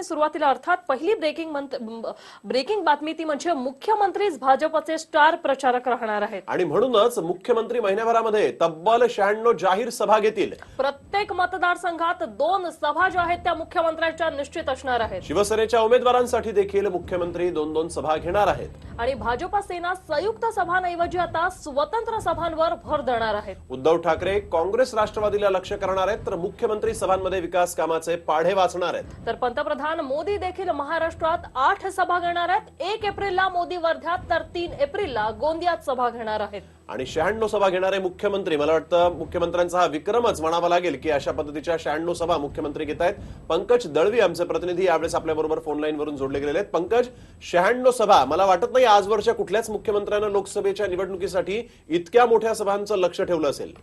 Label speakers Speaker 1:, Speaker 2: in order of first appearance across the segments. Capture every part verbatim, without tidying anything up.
Speaker 1: आणि सुरुवातीला अर्थात पहिली ब्रेकिंग ब्रेकिंग बातमी ती म्हणजे मुख्यमंत्रीच भाजपचे स्टार प्रचारक राहणार आहेत
Speaker 2: आणि म्हणूनच मुख्यमंत्री महिन्याभरामध्ये तब्बल शहाण्णव जाहीर सभा घेतील।
Speaker 1: प्रत्येक मतदारसंघात दोन सभा ज्या आहेत त्या मुख्यमंत्र्यांच्या निश्चित असणार आहेत।
Speaker 2: शिवसेनेच्या उमेदवारांसाठी देखील मुख्यमंत्री दोन दोन सभा घेणार आहेत
Speaker 1: आणि भाजप सेना संयुक्त सभांऐवजी आता स्वतंत्र सभांवर भर देणार आहेत।
Speaker 2: उद्धव ठाकरे काँग्रेस राष्ट्रवादीला लक्ष्य करणार आहेत तर मुख्यमंत्री सभांमध्ये विकास कामाचे पाढे वाचणार आहेत।
Speaker 1: तर पंतप्रधान मोदी देखील महाराष्ट्रात आठ सभा घेणार आहेत। एक एप्रिलला मोदी वर्ध्यात तर तीन एप्रिलला गोंदियात सभा घेणार आहेत।
Speaker 2: आणि शहाण्णव सभा घेणारे मुख्यमंत्री, मला वाटतं मुख्यमंत्र्यांचा हा विक्रमच म्हणावा लागेल की अशा पद्धतीच्या शहाण्णव सभा मुख्यमंत्री घेत आहेत। पंकज दळवी आमचे प्रतिनिधी यावेळेस आपल्या बरोबर फोन लाईन वरून जोडले गेलेले आहेत। पंकज, शहाण्णव सभा, मला वाटत नाही आजवरच्या कुठल्याच मुख्यमंत्र्यांना लोकसभेच्या निवडणुकीसाठी इतक्या मोठ्या सभांचं लक्ष ठेवलं असेल।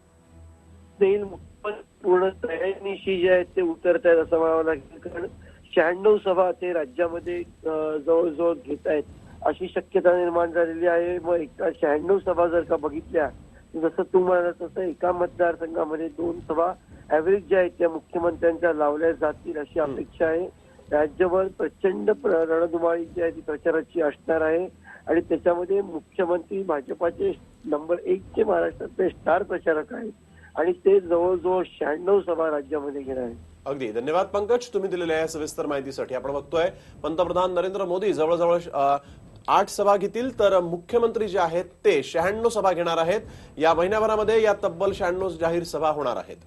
Speaker 3: पूर्ण तयारीनिशी जे आहेत ते उतरत आहेत असं म्हणावं लागेल, कारण शहाण्णव सभा ते राज्यामध्ये जवळजवळ घेत आहेत अशी शक्यता निर्माण झालेली आहे। मग एका शहाण्णव सभा जर का बघितल्या, जसं तू म्हणाला तसं एका मतदारसंघामध्ये दोन सभा ऍव्हरेज ज्या आहेत त्या मुख्यमंत्र्यांच्या लावल्या जातील अशी अपेक्षा आहे। राज्यभर प्रचंड रणधुमाळी जी आहे ती प्रचाराची असणार आहे आणि त्याच्यामध्ये मुख्यमंत्री भाजपाचे नंबर एक चे महाराष्ट्रातले स्टार प्रचारक आहेत आणि ते जवळजवळ शहाण्णव सभा राज्यामध्ये घेणार आहेत।
Speaker 2: अगदी धन्यवाद पंकज, तुम्ही दिलेल्या या सविस्तर माहितीसाठी। आपण बघतोय पंतप्रधान नरेंद्र मोदी जवळजवळ आठ सभा घेतील तर मुख्यमंत्री जे आहेत ते शहाण्णव सभा घेणार आहेत। या महिन्याभरामध्ये या तब्बल शहाण्णव जाहीर सभा होणार आहेत।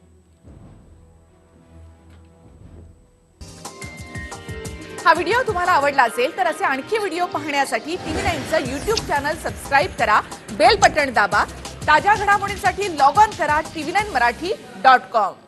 Speaker 4: हा व्हिडिओ तुम्हाला आवडला असेल तर असे आणखी व्हिडिओ पाहण्यासाठी टीव्ही नाईनचं यूट्यूब चॅनल सबस्क्राईब करा, बेल बटण दाबा। ताज्या घडामोडींसाठी लॉग ऑन करा TV nine Marathi dot com.